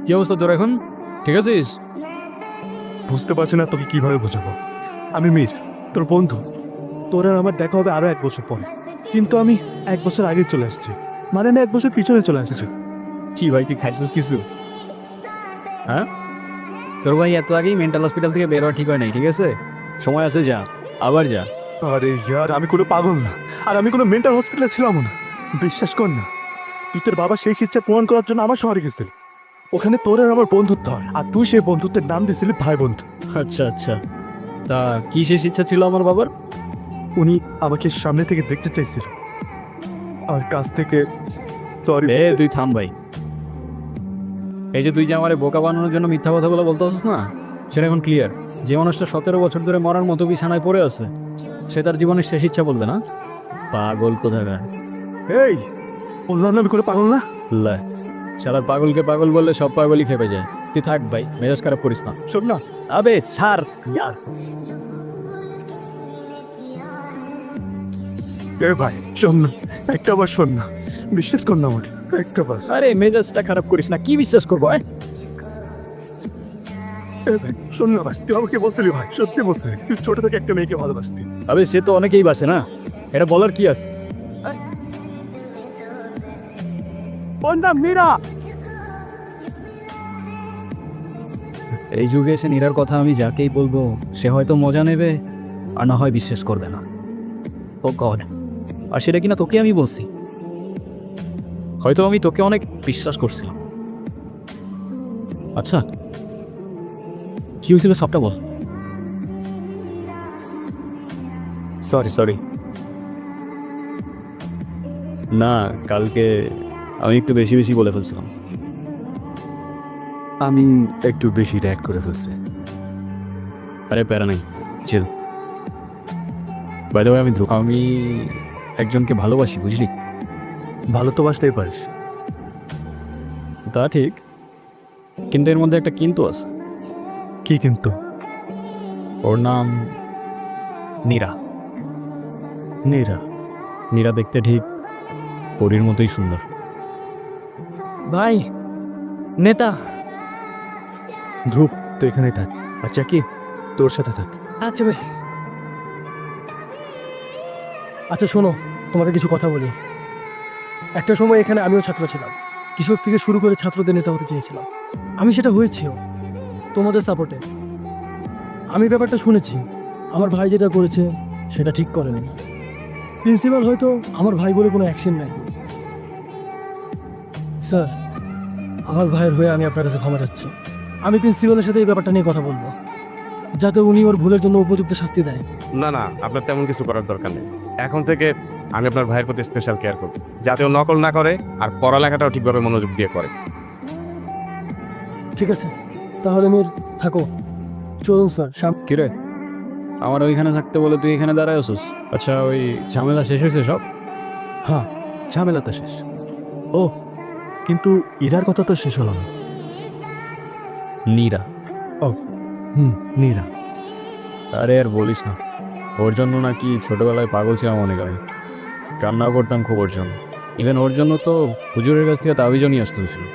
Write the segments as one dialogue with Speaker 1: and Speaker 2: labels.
Speaker 1: কি অবস্থা তোর এখন? ঠিক আছিস?
Speaker 2: বুঝতে পারছি না তোকে কিভাবে বোঝাবো। আমি মীর, তোর বন্ধু। তোর আর আমার দেখা হবে আরো 1 বছর পরে, কিন্তু আমি 1 বছর আগে চলে আসছি, মানে আমি 1 বছর পিছনে চলে আসছি।
Speaker 1: কি ভাই তুই খাইছিস কিছু? হ্যাঁ, তোর ভাই এত আগেই মেন্টাল হসপিটাল থেকে বের হওয়া ঠিক হয় নাই, ঠিক আছে? সময় আছে, যা, আবার যা।
Speaker 2: আরে ইয়ার, আমি কোনো পাগল না, আর আমি কোনো মেন্টাল হসপিটালে ছিলাম না। বিশ্বাস কর না, তুই তোর বাবা সেই ইচ্ছা পূরণ করার জন্য আমার শহরে গেছিলি। ওখানে তোর আর আমার বন্ধুত্ব হয়, আর তুই সেই বন্ধুত্বের নাম দিয়েছিলি ভাই বন্ধু।
Speaker 1: আচ্ছা আচ্ছা, তা কি শেষ ইচ্ছা ছিল আমার বাবার?
Speaker 2: উনি আমাকে সামনে থেকে দেখতে চাইছিল, আর কাছ থেকে সরি।
Speaker 1: তুই থাম ভাই। এই যে তুই যে আমার বোকা বানানোর জন্য মিথ্যা কথাগুলো বলতে আসছিস না, সেটা এখন ক্লিয়ার। যে মানুষটা 17 বছর ধরে মরার মতো বিছানায় পড়ে আছে, সে তার জীবনের শেষ ইচ্ছা বলবে না? পাগল কোথাকার।
Speaker 2: এই, বললাম না আমি কোনো পাগল না।
Speaker 1: লে, শালার পাগলকে পাগল বললে সব পাগলই খেপে যায়। তুই থাক ভাই, মেজাজ খারাপ করিস না।
Speaker 2: শোন না,
Speaker 1: আবে ছাড় ইয়ার।
Speaker 2: এ ভাই শোন না, একটা বার শোন না, বিশ্বাস কর না আমাকে, একটা বার।
Speaker 1: আরে মেজাজটা খারাপ করিস না, কি বিশ্বাস করবো?
Speaker 2: এ ভাই শোন না ভাই, তুই আমাকে বলছিলি ভাই, সত্যি বলছিলি তুই ছোট থেকে একটা মেয়েকে ভালোবাসতি।
Speaker 1: আবে সে তো অনেকেই বাসে না, এটা বলার কি আছে?
Speaker 2: ওর নাম মীরা।
Speaker 1: এই যুগে এসে নীরার কথা আমি যাকেই বলবো, সে হয়তো মজা নেবে, আর না হয় বিশ্বাস করবে না। ও গড, আর সেটা কিনা তোকে আমি বলছি। হয়তো আমি তোকে অনেক বিশ্বাস করছিলাম। আচ্ছা, কি হয়েছিল সবটা বল। Sorry sorry. না, কালকে আমি একটু বেশি বেশি বলে ফেলছিলাম।
Speaker 2: আমি একটু বেশি র্যাক করে ফেলছি।
Speaker 1: আরে প্যারা নাই, চিল। বাই দ্য ওয়ে, আমি ধ্রুব। আমি একজনকে ভালোবাসি, বুঝলি?
Speaker 2: ভালো তো বাসতেই পারিস।
Speaker 1: তা ঠিক, কিন্তু এর মধ্যে একটা কিন্তু আছে।
Speaker 2: কি কিন্তু?
Speaker 1: ওর নাম নীরা।
Speaker 2: নীরা?
Speaker 1: নীরা দেখতে ঠিক পরীর মতোই সুন্দর।
Speaker 3: ভাই, নেতা।
Speaker 2: ধ্রুব, তুই এখানেই থাক, আর চাকি তোর সাথে থাক।
Speaker 3: আচ্ছা ভাই। আচ্ছা শোনো, তোমাকে কিছু কথা বলি। একটা সময় এখানে আমিও ছাত্র ছিলাম, কৃষক থেকে শুরু করে ছাত্রদের নেতা হতে চেয়েছিলাম। আমি সেটা হয়েছিও তোমাদের সাপোর্টে। আমি ব্যাপারটা শুনেছি, আমার ভাই যেটা করেছে সেটা ঠিক করেনি। প্রিন্সিপাল হয়তো আমার ভাই বলে কোনো অ্যাকশন নেয়নি। স্যার, আমার ভাইয়ের হয়ে আমি আপনার কাছে ক্ষমা চাচ্ছি। আমি প্রিন্সিপালের সাথে এই ব্যাপারটা নিয়ে কথা বলবো, যাতে উনি ওর ভুলের জন্য উপযুক্ত শাস্তি দেয়।
Speaker 4: না না, আপনার তেমন কিছু করার দরকার নেই। এখন থেকে আমি আপনার ভাইয়ের প্রতি স্পেশাল কেয়ার করব, যাতে ও নকল না করে আর পড়ালেখাটাও ঠিকভাবে মনোযোগ দিয়ে করে।
Speaker 3: ঠিক আছে, তাহলে মির থাকো, চলুন স্যার সামনে।
Speaker 1: কিরে, আমার ওইখানে থাকতে বলে তুই এখানে দাঁড়ায় আছিস? আচ্ছা, ওই ঝামেলা শেষ হয়েছে সব?
Speaker 2: হ্যাঁ, ঝামেলা তো শেষ। ও, কিন্তু ইরার কথা তো শেষ হলো না।
Speaker 1: নীরা?
Speaker 2: নীরা।
Speaker 1: আরে আর বলিস না, ওর জন্য নাকি ছোটবেলায় পাগল ছিলাম অনেক আমি। কান্না করতাম খুব ওর জন্য। ইভেন ওর জন্য তো হুজুরের কাছ থেকে তাবিজও নিয়ে আসতে হয়েছিল।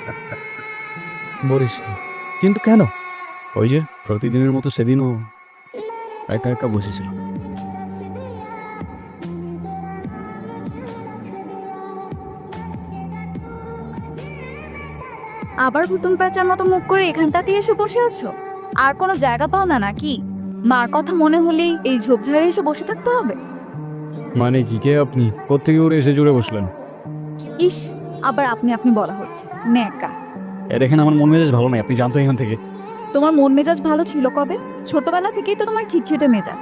Speaker 2: বলিস কি? কিন্তু কেন?
Speaker 1: ওই যে প্রতিদিনের মতো সেদিনও একা একা বসেছিলাম।
Speaker 5: আবার ভুতুম প্যাঁচার মতো মুখ করে এখানটাতে এসে বসে আছো? আর কোনো জায়গা পাও না নাকি? মার কথা মনে হলেই এই ঝোপঝাড়ে এসে বসে থাকতে হবে?
Speaker 1: মানে কি, কে আপনি? কোত্থেকে উড়ে এসে জুড়ে বসলেন?
Speaker 5: ইস, আবার আপনি আপনি বলা হচ্ছে, ন্যাকা।
Speaker 1: দেখেন, আমার মন মেজাজ ভালো নাই, আপনি জানতো এখান থেকে।
Speaker 5: তোমার মন মেজাজ ভালো ছিল কবে? ছোটবেলা থেকেই তো তোমার খিটখিটে মেজাজ।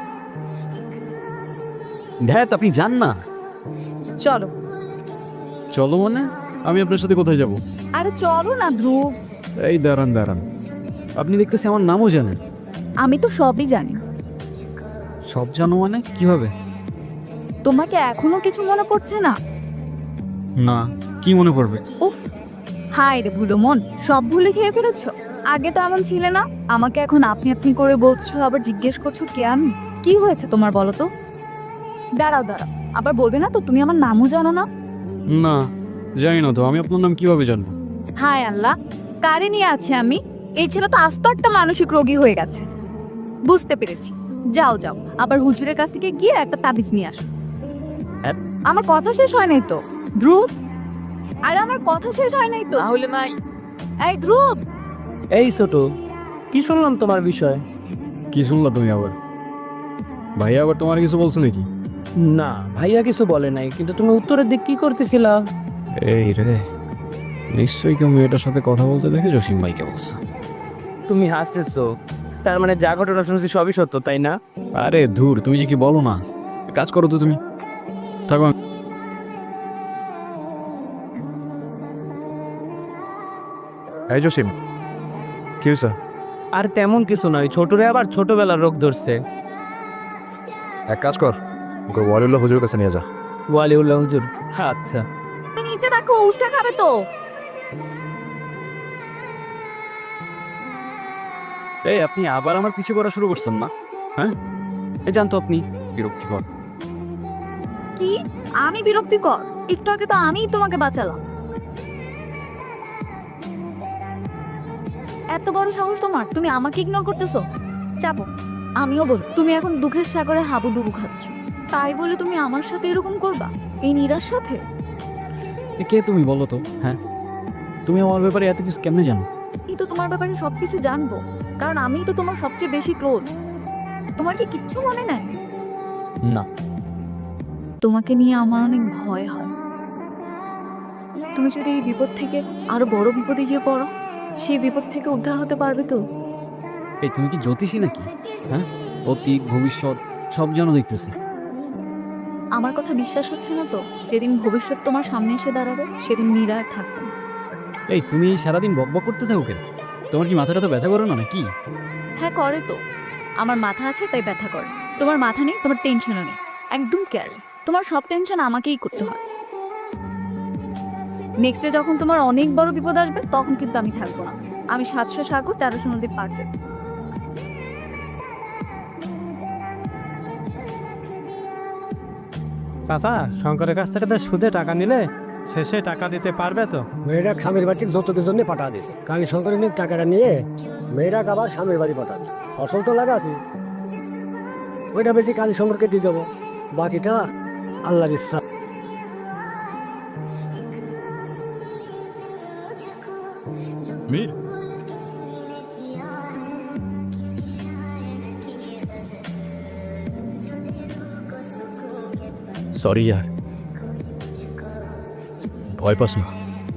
Speaker 1: ধ্যাত, আপনি জান না।
Speaker 5: চলো।
Speaker 1: চলো মানে? আমি আপনার সাথে কোথায় যাব?
Speaker 5: আরে চলো না ধ্রুব।
Speaker 1: এই দাঁড়ান দাঁড়ান, আপনি দেখতেছি আমার নামও জানেন।
Speaker 5: আমি তো সবই জানি।
Speaker 1: সব জানো মানে কিভাবে?
Speaker 5: তোমাকে এখনো কিছু মনে পড়ছে না?
Speaker 1: না, কি মনে পড়বে?
Speaker 5: উফ, হায় রে ভুলো মন, সব ভুলে খেয়ে ফেলেছ। আগে তো এমন ছিলে না, আমাকে এখন আপনি আপনি করে বলছো, আবার জিজ্ঞেস করছো কে আমি। কি হয়েছে তোমার বলো তো? দাঁড়াও দাঁড়াও, আবার বলবে না তো তুমি আমার নামও জানো না?
Speaker 1: না, জানি না তো, আমি আপনার নাম কিভাবে জানবো?
Speaker 5: হায় আল্লাহ, কারে নিয়ে আছে আমি? এই ছেলে তো আস্ত একটা মানসিক রোগী হয়ে গেছে। বুঝতে পেরেছি, যাও যাও, আবার হুজুরের কাছ থেকে গিয়ে একটা তাবিজ নিয়ে আসো। আমার কথা শেষ হয় নাই তো ধ্রুব, আরে আমার কথা শেষ হয় নাই তো।
Speaker 1: তাহলে নাই।
Speaker 5: এই ধ্রুব,
Speaker 3: এই ছোট, কি শুনলাম তোমার বিষয়?
Speaker 1: কি শুনলা তুমি আবার? ভাইয়া আবার তোমার কিছু বলছো নাকি?
Speaker 3: না, ভাইয়া কিছু বলে নাই, কিন্তু তুমি উত্তরের দিক কি করতেছিলা?
Speaker 1: এই রে, নিশ্চয়ই কেউ মেয়েটার সাথে কথা বলতে দেখে জসিম ভাইকে বলছে।
Speaker 3: তুমি হাসতেছো, তার মানে যা ঘটনা শুনছি সবই সত্য, তাই না?
Speaker 1: আরে ধুর, তুমি যে কি বলো না। কাজ করো তো তুমি, থাকো।
Speaker 4: এই জসিম, কি হয়েছে?
Speaker 3: আর তেমন কিছু নয়, ছোটরে আবার ছোটবেলার রোগ ধরছে।
Speaker 4: এক কাজ কর, ওকে ওয়ালিউল্লাহ হুজুরের কাছে নিয়ে যা।
Speaker 3: ওয়ালিউল্লাহ হুজুর? আচ্ছা।
Speaker 5: তুমি নিচে দেখো, উষ্টা খাবে তো।
Speaker 1: এই আপনি আবার আমার পিছু করা শুরু করছেন না? হ্যাঁ, এই জানতো আপনি বিরক্তিকর।
Speaker 5: কি আমি বিরক্তিকর? একটু আগে তো আমিই তোমাকে বাঁচালাম। এত বড় সাহস তোমার, তুমি আমাকে ইগনোর করতেছো? চাপো, আমিও বসবো। তুমি এখন দুঃখের সাগরে হাবুডুবু খাচ্ছ, তাই বলে তুমি আমার সাথে এরকম করবা? এই নীরার সাথে?
Speaker 1: কে তুমি বলো তো? হ্যাঁ, তুমি আমার ব্যাপারে এত কিছু কেমনে জানো?
Speaker 5: এই তো তোমার ব্যাপারে সবকিছু জানবো, কারণ আমিই তো তোমার সবচেয়ে বেশি ক্লোজ। তোমার কি কিচ্ছু মনে নাই?
Speaker 1: না।
Speaker 5: তোমাকে নিয়ে আমার অনেক ভয় হয়। তুমি যদি এই বিপদ থেকে আরো বড় বিপদে গিয়ে পড়ো, সেই বিপদ থেকে উদ্ধার হতে পারবে তো?
Speaker 1: এই তুমি কি জ্যোতিষী নাকি? হ্যাঁ, অতীত ভবিষ্যৎ সব জানো দেখতেছি।
Speaker 5: আমার কথা বিশ্বাস হচ্ছে না তো? যেদিন ভবিষ্যৎ তোমার সামনে এসে দাঁড়াবে, সেদিন নীরা আর থাকবে না।
Speaker 1: এই তুমি সারাদিন বকবক করতে থাকো কেন? তোমার কি মাথাটা তো ব্যথা করো না নাকি?
Speaker 5: হ্যাঁ করে তো, আমার মাথা আছে তাই ব্যথা করে। তোমার মাথা নেই, তোমার টেনশনও নেই, একদম কেয়ারলেস। তোমার সব টেনশন আমাকেই করতে হয়। নেক্সট ডে যখন তোমার অনেক বড় বিপদ আসবে, তখন কিন্তু আমি থাকবো না। আমি 700 সাগর 1300 নদী পার করব।
Speaker 6: চাচা, শঙ্করের কাছ থেকে তো সুদে টাকা নিলে শেষে টাকা দিতে পারবে তো?
Speaker 7: মেয়েরা স্বামীর বাড়িতে যৌতুকের জন্য পাঠা দিয়েছে। কালী শঙ্করের টাকাটা নিয়ে মেয়েরা আবার স্বামীর বাড়ি পাঠাবে। ফসল তো লাগা আছে, ওইটা বেশি কালী শঙ্করকে দিয়ে দেবো, বাকিটা আল্লাহর ইচ্ছা।
Speaker 1: মীর, সরি यार, ভয় পাস না।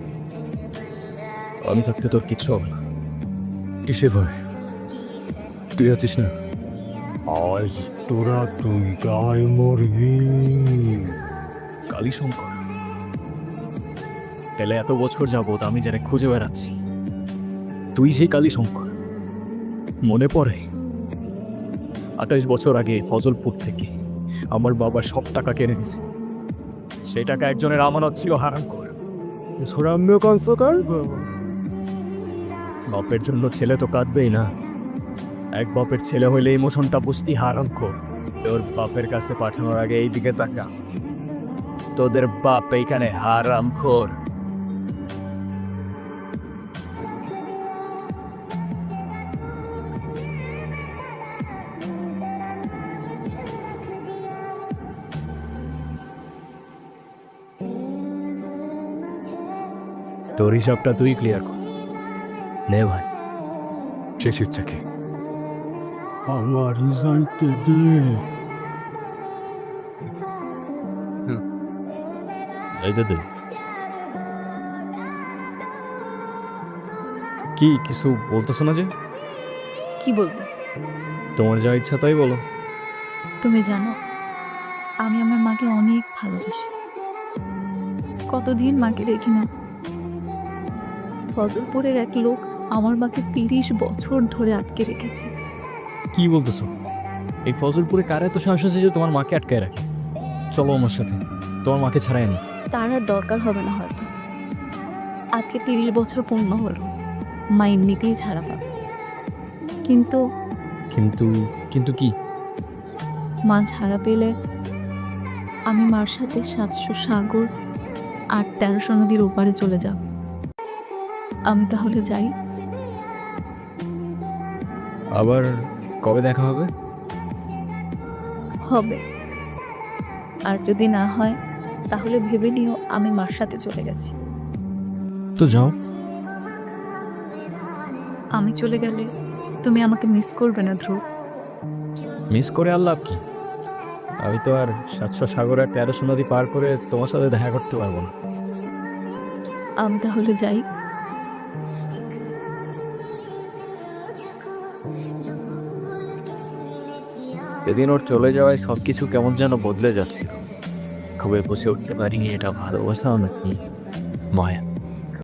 Speaker 1: আমি থাকতে তোর কিচ্ছু হবে না।
Speaker 2: কিসে ভয়? তুই আছিস না? আজ তোরা তুই গায়ে মরবি।
Speaker 1: কালীশঙ্কর, তাহলে এত বছর যাবত আমি যারা খুঁজে বেড়াচ্ছি, তুই সেই কালীশঙ্কর? মনে পড়ে 28 বছর আগে ফজলপুর থেকে আমার বাবা সব টাকা কেড়ে নিয়েছে। সেই টাকা একজনের আমানত ছিল হারামখোর।
Speaker 2: সুরাম্য কংসকর
Speaker 1: বাপের জন্য ছেলে তো কাঁদবেই না। এক বাপের ছেলে হইলে ইমোশনটা বুঝতি হারামখোর। তোর বাপের কাছে পাঠানোর আগে এই দিকে তাকা, তোদের বাপ এইখানে হারামখোর। তোর হিসাবটা তুই ক্লিয়ার কর। নে ভাই,
Speaker 2: শেষ ইচ্ছা কি? আমার রিজাল্ট দে।
Speaker 1: এইটা দে। কি কিছু বলতেছো না যে?
Speaker 5: কি বলবো?
Speaker 1: তোমার যা ইচ্ছা তাই বলো।
Speaker 5: তুমি জানো, আমি আমার মাকে অনেক ভালোবাসি। কতদিন মাকে দেখি না। ফজলপুরের এক লোক আমার মাকে 30 বছর ধরে আটকে রেখেছে।
Speaker 1: কি বলতেছো? এই ফজলপুরে কার এত সাহস আছে যে তোমার মাকে আটকায় রাখে? চলো আমার সাথে, তোমার মাকে ছাড়াই আনি।
Speaker 5: তার আর দরকার হবে না হয়তো। আজকে 30 বছর পূর্ণ হলো, মা এমনিতেই ছাড়া পাবে। কিন্তু
Speaker 1: কিন্তু কিন্তু কি?
Speaker 5: মা ছাড়া পেলে আমি মার সাথে 700 সাগর আর 1300 নদীর ওপারে চলে যাব। আমি তাহলে যাই।
Speaker 1: আবার কবে দেখা হবে?
Speaker 5: হবে, আর যদি না হয় তাহলে ভেবে নিও আমি মার সাথে চলে গেছি।
Speaker 1: তো যাও।
Speaker 5: আমি চলে গেলে তুমি আমাকে মিস করবে না ধ্রুব?
Speaker 1: মিস করে আর লাভ কি? আমি তো আর 700 সাগর আর 1300 নদী পার করে তোমার সাথে দেখা করতে পারবো না।
Speaker 5: আমি তাহলে যাই।
Speaker 1: সেদিন ওর চলে যাওয়ায় সবকিছু কেমন যেন বদলে যাচ্ছিল। খুবই বুঝে উঠতে পারিনি এটা ভালোবাসা নাকি মায়া।